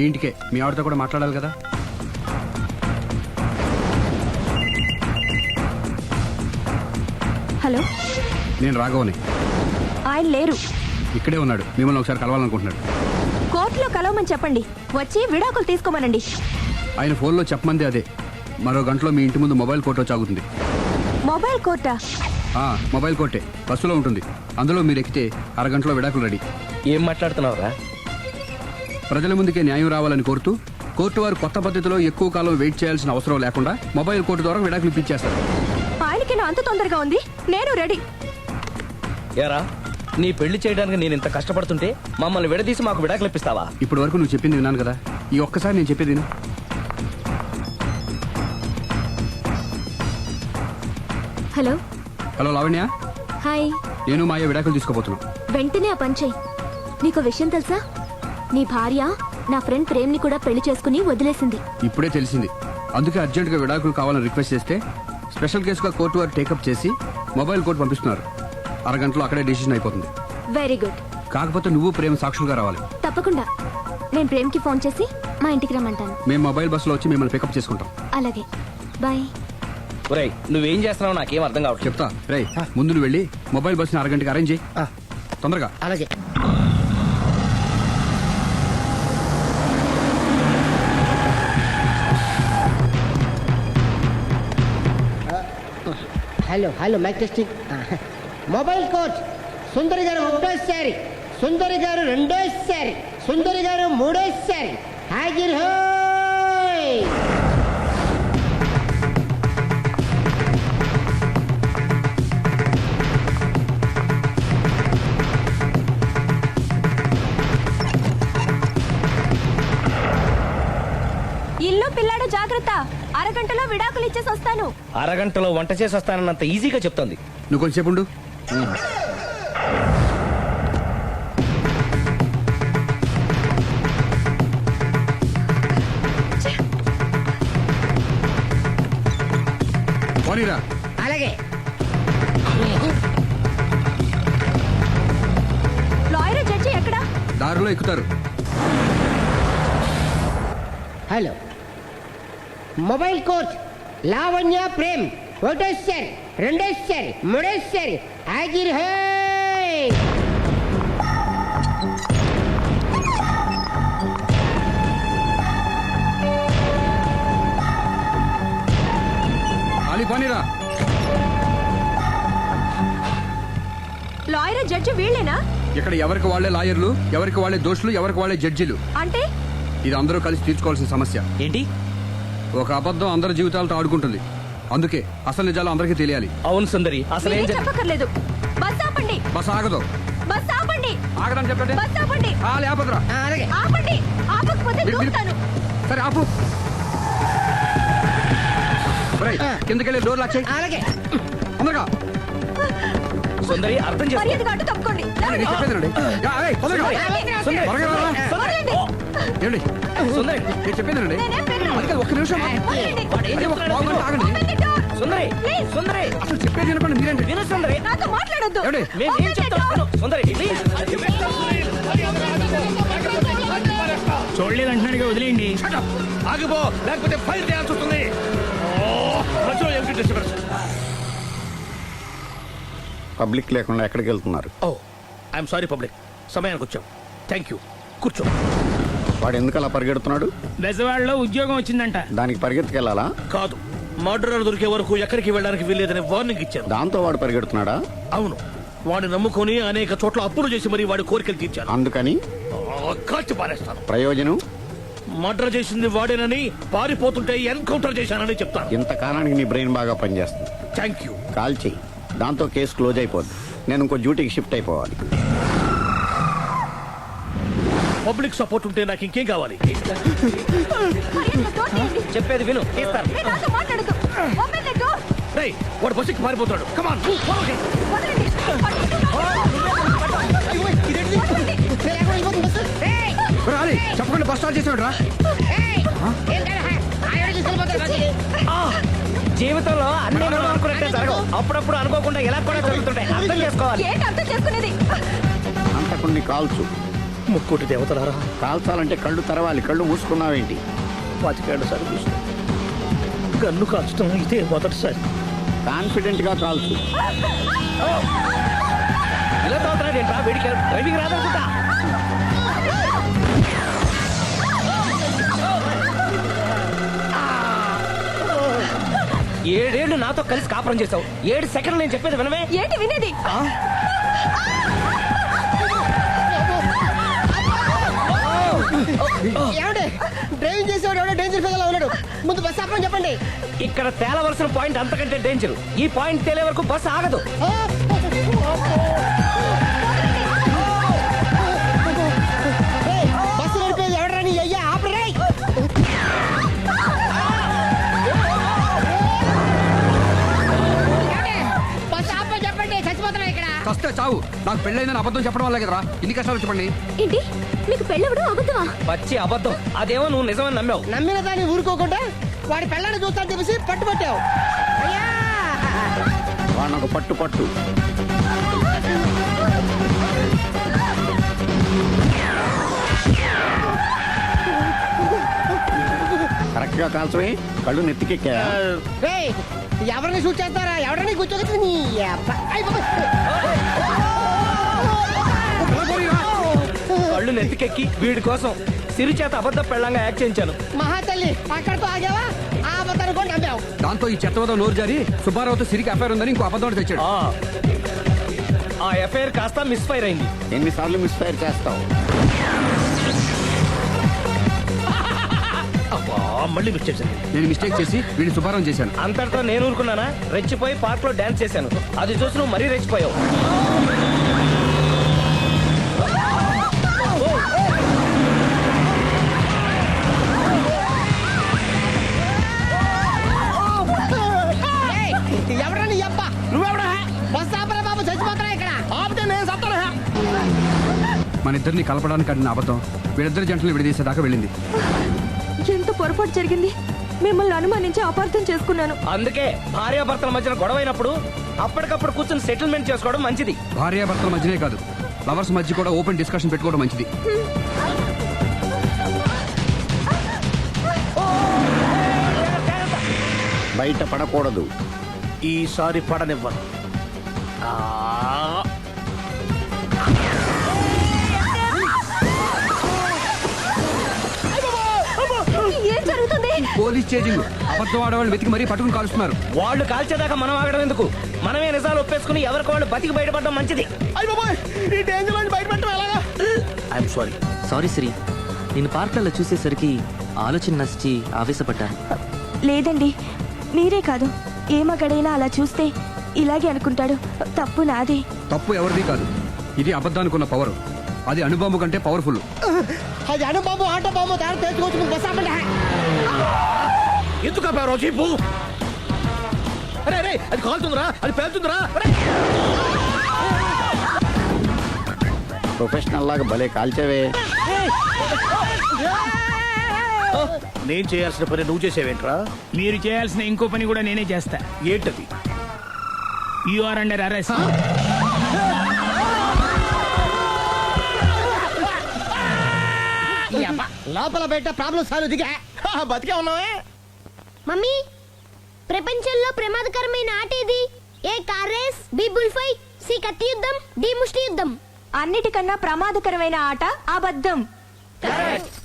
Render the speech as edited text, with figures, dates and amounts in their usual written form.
మీ ఇంటికే, మీ ఆవిడతో కూడా మాట్లాడాలి కదా. హలో, నేను రాఘవని. ఆయన లేరు. ఇక్కడే ఉన్నాడు, మిమ్మల్ని ఒకసారి కలవాలనుకుంటున్నాడు. కోర్టులో కలవమని చెప్పండి, వచ్చి విడాకులు తీసుకోమనండి. ఆయన ఫోన్లో చెప్పమంది అదే. మరో గంటలో మీ ఇంటి ముందు మొబైల్ కోర్టు వచ్చి ఆగుతుంది. మొబైల్ కోర్టా? మొబైల్ కోర్టే, బస్సులో ఉంటుంది. అందులో మీరు ఎక్కితే అరగంటలో విడాకులు రెడీ. ఏం మాట్లాడుతున్నావురా? ప్రజల ముందుకే న్యాయం రావాలని కోరుతూ కోర్టు వారు కొత్త పద్ధతిలో ఎక్కువ కాలం వెయిట్ చేయాల్సిన అవసరం లేకుండా మొబైల్ కోర్టు ద్వారా విడాకులు ఇప్పించేస్తారు. ఆయనకి నా అంత తొందరగా ఉంది, నేను రెడీ. ఏరా, నీ పెళ్లి చేయడానికి నేను ఇంత కష్టపడుతుంటే మమ్మల్ని విడదీసి మాకు విడాకులు ఇప్పిస్తావా? ఇప్పటి వరకు నువ్వు చెప్పింది విన్నాను కదా, ఈ ఒక్కసారి నేను చెప్పేది విను. హలో. Hello Lavanya, hi. నేను మాయ విడాకులు తీసుకోబోతున్నాను. వెంటనే ఆ పని చెయ్యి. నీకు విషయం తెలుసా? నీ భార్య నా ఫ్రెండ్ ప్రేమ్ని కూడా పెళ్లి చేసుకుని వదిలేసింది. ఇప్పుడే తెలిసింది. అందుకే అర్జెంటుగా విడాకులు కావాలని రిక్వెస్ట్ చేస్తే స్పెషల్ కేసుగా కోర్టు వారు టేకప్ చేసి మొబైల్ కోర్టు పంపిస్తున్నారు. అరగంటలో అక్కడే డిసిషన్ అయిపోతుంది. Very good. కాకపోతే నువ్వు ప్రేమ సాక్షులుగా రావాలి. తప్పకుండా. నేను ప్రేమ్కి ఫోన్ చేసి మా ఇంటికి రమ్మంటాను. మేము మొబైల్ బస్సులో వచ్చి మిమ్మల్ని పికప్ చేసుకుంటాం. అలాగే, బాయ్. ఒరేయ్, నువ్వేం చేస్తున్నావు నాకేం అర్థం కావట్లేదు. చెప్తా. రేయ్, ముందు నువ్వు వెళ్ళి మొబైల్ బస్సుని అరగంటకి అరేంజ్ చేయి. తొందరగా. అలాగే. Hello hello, mike testing. Mobile coach Sundari గారు ఒకటోసారి, సుందరి గారు రెండోసారి, సుందరి గారు మూడోసారి. హాజర్ హోయ్. ఇల్లు పిల్లాడు జాగ్రత్త. అరగంటలో విడాకులు ఇచ్చేసి వస్తాను. అరగంటలో వంట చేసి వస్తానన్నంత ఈజీగా చెప్తోంది. నువ్వు కొంచెంసేపు ఉండు. పోనీరా. అలాగే. లాయర్ జడ్జి ఎక్కడా? దారిలో ఎక్కుతారు. Hello, mobile coach Lavanya Prem ఒకటోసారి, రెండోసారి, మూడోసారి. హాజర్ హోయ్. ఖాళీ పోనీరా. Lawyer judge వీళ్ళేనా? ఇక్కడ ఎవరికి వాళ్లే లాయర్లు, ఎవరికి వాళ్లే దోషులు, ఎవరికి వాళ్లే జడ్జిలు. అంటే ఇది అందరూ కలిసి తీర్చుకోవాల్సిన సమస్య. ఏంటి? ఒక అబద్ధం అందరి జీవితాలతో ఆడుకుంటుంది. అందుకే అసలు నిజాలు అందరికీ తెలియాలి. అవును సుందరి, అసలు ఏం మీరేం చెప్పక్కర్లేదు. బస్ ఆపండి. బస్ ఆగదు. బస్ ఆపండి. ఆగదని చెప్పండి. బస్ ఆపండి. ఆపదురా. అలాగే. ఆపండి. ఆపకపోతే మీరు- దూకుతాను. సరే ఆపు. కిందకెళ్ళి డోర్ లాక్ చేయి. అలాగే. తొందరగా. సుందరి, అర్థం చేసుకో. మర్యాదగా అడ్డు తప్పుకోండి. నేను చెప్పేదేనండి. తొందరగా. సుందరి, త్వరగా రా. వదలండి. ఏమండి? సుందరి, నేను చెప్పేదేనండి. నేనేం వినను. అందుకే ఒక్క నిమిషం. వదలండి. వాడు ఏం అరే, ఒక చెప్తున్నాడో పావు గంట ఆగండి. Open the door. Sundari, Please. సుందరి, అసలు చెప్పేది వినపండి మీరేంటి? విను సుందరి. నాతో మాట్లాడొద్దు. ఏమండి? మేము ఏం Open the చెప్తాం? door. Sundari, please. చూడలేదు అంటున్నాడుగా, వదిలేయండి. ఆగిపో, లేకపోతే ఫైల్ చేయాల్సి వస్తుంది. మధ్యలో ఏమిటి డిస్టర్బెన్స్? పబ్లిక్ లేకుండా ఎక్కడికి వెళ్తున్నారు? ఓ, ఐఎమ్ సారీ పబ్లిక్, సమయానికి వచ్చాం. థ్యాంక్ యూ, కూర్చో. వాడు ఎందుకు అలా పరిగెడుతున్నాడు? బెజవాడలో ఉద్యోగం వచ్చిందంట. దానికి పరిగెత్తుకెళ్ళాలా? కాదు, మర్డరర్ దొరికే వరకు ఎక్కడికి వెళ్ళడానికి వీల్లేదని వార్నింగ్ ఇచ్చాను. దాంతో వాడు పరిగెడుతున్నాడా? అవును, వాడిని నమ్ముకొని అనేక చోట్ల అప్పులు చేసి మరీ వాడి కోరికలు తీర్చాను. అందుకని కాల్చి పారేస్తాను. ప్రయోజనం? మర్డర్ చేసింది వాడేనని, పారిపోతుంటే ఎన్కౌంటర్ చేశానని చెప్తాను. ఇంతకాలానికి నీ బ్రెయిన్ బాగా పనిచేస్తుంది. Thank you. కాల్ చెయ్యి, దాంతో కేసు క్లోజ్ అయిపోద్ది. నేను ఇంకో డ్యూటీకి షిఫ్ట్ అయిపోవాలి. పబ్లిక్ సపోర్ట్ ఉంటే నాకు ఇంకేం కావాలి? మర్యాదగా door తీయండి. చెప్పేది విను, తీస్తారు. మీరు నాతో మాట్లాడొద్దు. Open the door. రేయ్, వాడు బస్సుకి పారిపోతాడు. కమాన్, వదలండి. వదలండి. రాలి చెప్పకుండా బస్ స్టార్ట్ చేసాడు రా. జీవితంలో అన్ని మనం అనుకున్నట్టే జరగవు. అప్పుడప్పుడు అనుకోకుండా ఎలా కూడా జరుగుతుంటాయి. అర్థం చేసుకోవాలి. ఏంటి అర్థం చేసుకునేది? అంతకుని కాల్చు. ముక్కోటి దేవతలారా, కాల్చాలంటే కళ్ళు తెరవాలి, కళ్ళు మూసుకున్నావేంటి? 25 సార్లు చూసిన గన్ను కాల్చడం ఇదే మొదటిసారి. కాన్ఫిడెంట్ గా కాల్చు. ఇలా తోతున్నాడు ఏంట్రా? వీడికి డ్రైవింగ్ రాదనుకుంటా. ఏడేళ్లు నాతో కలిసి కాపురం చేసావు, 7 సెకండ్లు నేను చెప్పేది వినవే. ఏంటి వినేది? ఏమండి డ్రైవింగ్ చేసేవాడు ఎవడో డేంజర్ ఫీల్ ఉన్నాడు. ముందు బస్ ఆపమని చెప్పండి. ఇక్కడ తేలవలసిన పాయింట్ అంతకంటే డేంజర్. ఈ పాయింట్ తేలే వరకు బస్సు ఆగదు. బస్సు నడిపేది ఎవడరాని అయ్యా ఆపరే. బస్ ఆపమని చెప్పండి, చచ్చిపోతున్నా ఇక్కడ. వస్తే చావు. నాకు పెళ్ళైందని అబద్ధం చెప్పడం వల్లే కదరా ఇన్ని కష్టాలు చెప్పండి. ఏంటి మీకు పెళ్ళవడం అబద్ధమా? పచ్చి అబద్ధం. అదేమో నువ్వు నిజమని నమ్మావు. నమ్మిన దాన్ని ఊరుకోకుండా వాడి పెళ్ళాన్ని చూస్తాను చెప్పేసి పట్టుబట్టావు. అయ్యా వాడినొక పట్టు పట్టు. కరెక్ట్ గా కాల్చవే, కళ్ళు నెత్తికెక్కా. రేయ్, ఎవరిని షూట్ చేస్తారా? ఎవరిని కూర్చోగచ్చు నీ అబ్బా. అయ్ బాబోయ్. కళ్ళు నెత్తికెక్కి వీడి కోసం సిరి చేత అబద్ధ పెళ్ళంగా యాక్ట్ చేయించాను. మహాతల్లి అక్కడితో ఆగావా? ఆ అబద్ధాన్ని కూడా నమ్మావు. దాంతో ఈ చెత్తవతో నోరు జారి సుబ్బారావుతో సిరికి అఫైర్ ఉందని ఇంకో అబద్ధం తెచ్చాడు. ఆ ఎఫ్ఐఆర్ కాస్త మిస్ఫైర్ అయింది. ఎన్నిసార్లు మిస్ఫైర్ చేస్తావు? అబ్బా, మళ్ళీ మిస్ చేశాను. నేను మిస్టేక్ చేసి వీడిని సుబ్బారావు చేశాను. అంతటితో నేను ఊరుకున్నానా? రెచ్చిపోయి పార్క్ లో డాన్స్ చేశాను. అది చూసి నువ్వు మరీ రెచ్చిపోయావు. ఏయ్, ఎవరా నీ అబ్బా? నువ్వెవడా? బస్ ఆపరా బాబు, చచ్చిపోతున్నా ఇక్కడ. ఆపితే నేను సత్తానా? మన ఇద్దరిని కలపడానికి ఆడిన అబద్ధం వీళ్ళిద్దరి జంటలు విడదీసేదాకా వెళ్ళింది. ఎంత పొరపాటు జరిగింది. మిమ్మల్ని అనుమానించి అపార్థం చేసుకున్నాను. అందుకే భార్యాభర్తల మధ్యన గొడవైనప్పుడు అప్పటికప్పుడు కూర్చొని సెటిల్మెంట్ చేసుకోవడం మంచిది. భార్యాభర్తల మధ్యనే కాదు, లవర్స్ మధ్య కూడా ఓపెన్ డిస్కషన్ పెట్టుకోవడం మంచిది. బయట పడకూడదు. ఈసారి పడనివ్వను. ఏం జరుగుతుంది? Police chasing. అబద్ధం ఆడవాళ్ళు వెతికి మరీ పట్టుకుని కాలుస్తున్నారు. వాళ్ళు కాల్చేదాకా మనం ఆగడం ఎందుకు? మనమే నిజాలు ఒప్పేసుకుని ఎవరికి వాళ్ళు బతికి బయటపడడం మంచిది. అయ్ బాబోయ్, ఈ డేంజర్ నుంచి బయటపడటం ఎలాగా? I'm sorry. సారీ శ్రీ, నేను పార్కులలో చూసేసరికి ఆలోచన నచ్చి ఆవేశపడ్డాను. లేదండి, మీరే కాదు, ఏ మగాడైనా అలా చూస్తే ఇలాగే అనుకుంటాడు. తప్పు నాదే. తప్పు ఎవరిది కాదు. ఇది అబద్ధానికున్న పవర్. అది అణుబాంబు కంటే పవర్ఫుల్. అది అను బాబు, ఆటో బాబు, దారి తెచ్చుకోవచ్చు. ముందు బస్ ఆపండి. ఎందుకు ఆపారో చెప్పు. అరే అరే, అది కాలుతుందిరా, అది పేలుతుందిరా. ప్రొఫెషనల్ లాగా భలే కాల్చవే. నేను చేయాల్సిన పని నువ్వు చేసేవేంట్రా? మీరు చేయాల్సిన ఇంకో పని కూడా నేనే చేస్తా. ఏంటది? You are under arrest. ఈ అబ్బా, లోపల బయట ప్రాబ్లం సాల్వ్ దిగా బతికే ఉన్నావే. మమ్మీ, ప్రపంచంలో ప్రమాదకరమైన ఆట ఏది? A car race, B bull fight, C కత్తి యుద్ధం, డి ముష్టి యుద్ధం. అన్నిటికన్నా ప్రమాదకరమైన ఆట అబద్ధం.